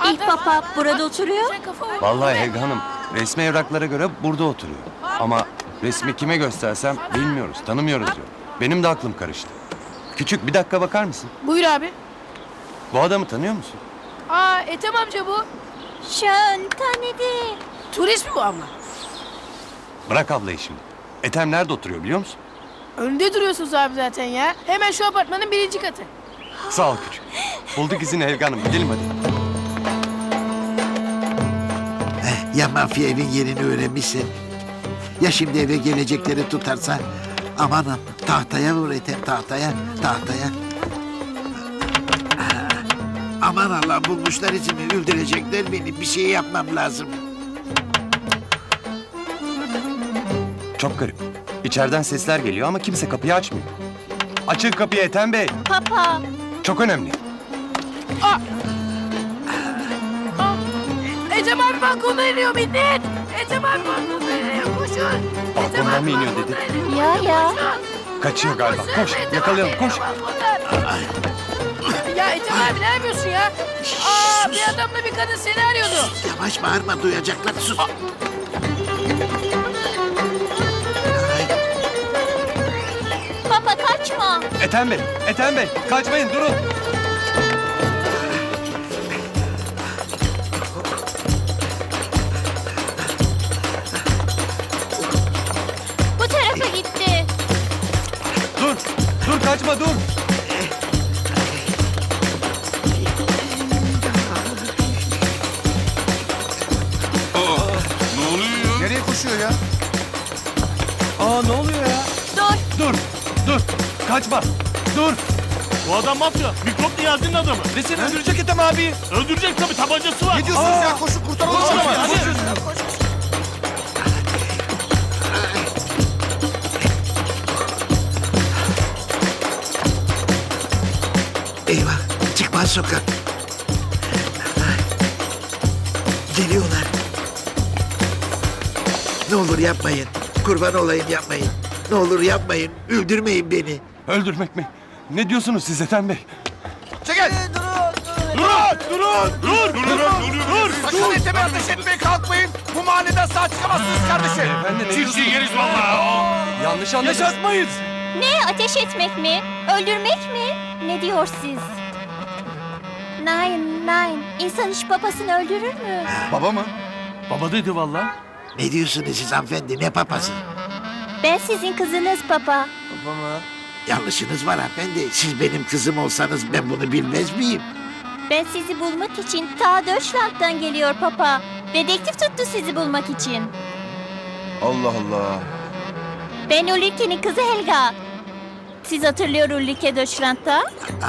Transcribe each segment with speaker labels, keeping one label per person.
Speaker 1: İlk papa burada oturuyor.
Speaker 2: Vallahi Helga Hanım, resmi evraklara göre burada oturuyor. Ama resmi kime göstersem bilmiyoruz, tanımıyoruz diyor. Benim de aklım karıştı. Küçük, bir dakika bakar mısın?
Speaker 3: Buyur abi.
Speaker 2: Bu adamı tanıyor musun?
Speaker 3: Aa Ethem amca bu.
Speaker 1: Şön tanıdı.
Speaker 3: Turist mi bu abla?
Speaker 2: Bırak ablayı şimdi. Ethem nerede oturuyor biliyor musun?
Speaker 3: Önde duruyorsunuz abi zaten ya. Hemen şu apartmanın 1. katı.
Speaker 2: Sağ ol küçük. Bulduk izini Helga Hanım, gidelim hadi.
Speaker 4: Ya mafya evin yerini öğrenmişse? Ya şimdi eve gelecekleri tutarsa? Amanım tahtaya vur Ethem, tahtaya. Aman Allah, bulmuşlar izimi, öldürecekler beni. Bir şey yapmam lazım.
Speaker 2: Çok garip. İçeriden sesler geliyor ama kimse kapıyı açmıyor. Açın kapıyı Ethem Bey.
Speaker 1: Papa.
Speaker 2: Çok önemli.
Speaker 3: Ethem abi balkonda iniyor millet. Ethem abi balkonda iniyor. Koşun. Ethem
Speaker 2: Balkondan
Speaker 3: abi
Speaker 2: mı iniyor
Speaker 3: balkonda
Speaker 2: dedi?
Speaker 3: iniyor.
Speaker 1: Ya.
Speaker 2: Kaçıyor galiba.
Speaker 3: Koşun,
Speaker 2: Koş,
Speaker 3: Ethem
Speaker 2: yakalayalım,
Speaker 3: abi
Speaker 2: koş.
Speaker 3: iniyor balkondan. Ya Ethem abi ne yapıyorsun ya? Aa bir adamla bir kadın seni arıyordu.
Speaker 4: Yavaş bağırma, duyacaklar, sus. Ay,
Speaker 1: Papa kaçma.
Speaker 2: Ethem Bey, kaçmayın, durun.
Speaker 1: Bu tarafa gitti.
Speaker 2: Dur, kaçma, dur.
Speaker 5: Ne oluyor?
Speaker 2: Nereye koşuyor ya? Ne oluyor ya? Dur, kaçma, dur.
Speaker 6: Bu adam mafya. Mikrop Niyazi'nin adamı.
Speaker 2: Ve seni öldürecek Ethem abi.
Speaker 6: Öldürecek tabii, tabancası var.
Speaker 2: Ne diyorsunuz ya? Koşun, kurtaralım
Speaker 6: Koşun
Speaker 2: adamı.
Speaker 6: hadi.
Speaker 4: eyvah, çıkmaz sokak. Geliyorlar. Ne olur yapmayın. Kurban olayım, yapmayın. Ne olur yapmayın. Öldürmeyin beni.
Speaker 2: Öldürmek mi? Ne diyorsunuz siz Ethem Bey?
Speaker 5: Sakın Ethem'e ateş etmeye kalkmayın. Bu mahalleden sağ çıkamazsınız kardeşim.
Speaker 2: Beyefendi ne
Speaker 6: Çiftçi
Speaker 2: diyorsunuz?
Speaker 6: yeriz vallahi.
Speaker 2: Yanlış anladınız. Yaşatmayız.
Speaker 1: Ne, ateş etmek mi? Öldürmek mi? Ne diyor siz? Nine. İnsan hiç babasını öldürür mü?
Speaker 2: Baba mı?
Speaker 6: Baba dedi vallahi.
Speaker 4: Ne diyorsunuz siz hanımefendi? Ne papası?
Speaker 1: Ben sizin kızınız papa.
Speaker 2: Baba mı?
Speaker 4: Yanlışınız var hanımefendi. Siz benim kızım olsanız ben bunu bilmez miyim?
Speaker 1: Ben sizi bulmak için ta Deutschland'dan geliyor papa. Dedektif tuttu sizi bulmak için.
Speaker 2: Allah Allah.
Speaker 1: Ben Ulrike'nin kızı Helga. Siz hatırlıyor Ulrike Deutschland'da?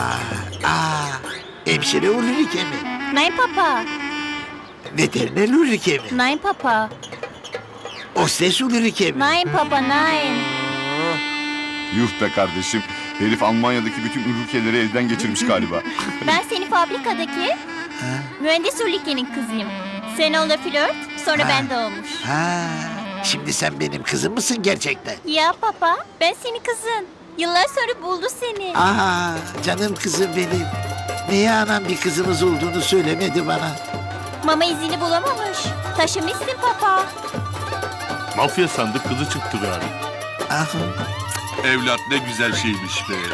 Speaker 4: Hemşire Ulrike mi?
Speaker 1: Nein papa.
Speaker 4: Veteriner Ulrike mi?
Speaker 1: Nein papa.
Speaker 4: Hostes Ulrike mi?
Speaker 1: Nein papa, nein.
Speaker 5: Yuh be kardeşim. Herif Almanya'daki bütün ülkeleri elden geçirmiş galiba.
Speaker 1: Ben senin fabrikadaki mühendis Ulrike'nin kızıyım. Sen onunla flört, sonra ben doğmuş.
Speaker 4: Ha, şimdi sen benim kızım mısın gerçekten?
Speaker 1: Ya papa, ben senin kızın. Yıllar sonra buldu seni.
Speaker 4: Aa, canım kızım benim. Niye anam bir kızımız olduğunu söylemedi bana?
Speaker 1: Mama izini bulamamış. Taşımışsın papa.
Speaker 6: Mafya sandık, kızı çıktı galiba.
Speaker 4: Ah,
Speaker 5: Evlat ne güzel şeymiş be.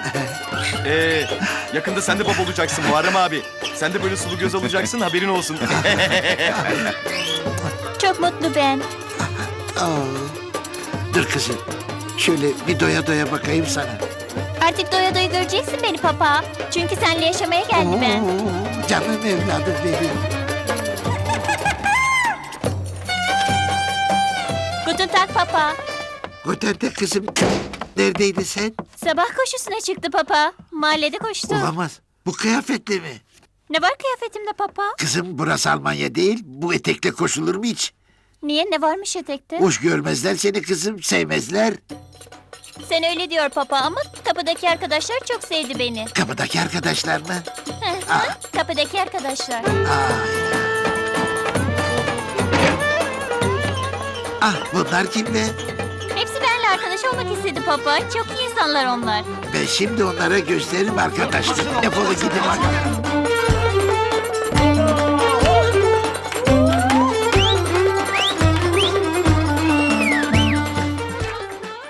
Speaker 2: Yakında sen de baba olacaksın Muharrem abi. Sen de böyle sulu göz olacaksın, haberin olsun.
Speaker 1: Çok mutlu ben.
Speaker 4: dur kızım. Şöyle bir doya doya bakayım sana.
Speaker 1: Artık doya doya göreceksin beni papa. Çünkü seninle yaşamaya geldim ben.
Speaker 4: Canım evladım benim.
Speaker 1: Guten Tag papa.
Speaker 4: Otelde kızım. Neredeydin sen?
Speaker 1: Sabah koşusuna çıktı papa. Mahallede koştu.
Speaker 4: Olamaz. Bu kıyafetle mi?
Speaker 1: Ne var kıyafetimde papa?
Speaker 4: Kızım burası Almanya değil. Bu etekle koşulur mu hiç?
Speaker 1: Niye, ne varmış etekte?
Speaker 4: Hoş görmezler seni kızım. Sevmezler.
Speaker 1: Sen öyle diyor papa ama kapıdaki arkadaşlar çok sevdi beni.
Speaker 4: Kapıdaki arkadaşlar mı?
Speaker 1: Kapıdaki arkadaşlar.
Speaker 4: Ah, bunlar kim be?
Speaker 1: Hepsi benimle arkadaş olmak istedi papa. Çok iyi insanlar onlar.
Speaker 4: Ben şimdi onlara gösteririm arkadaşlar. Defolu gidin bakalım.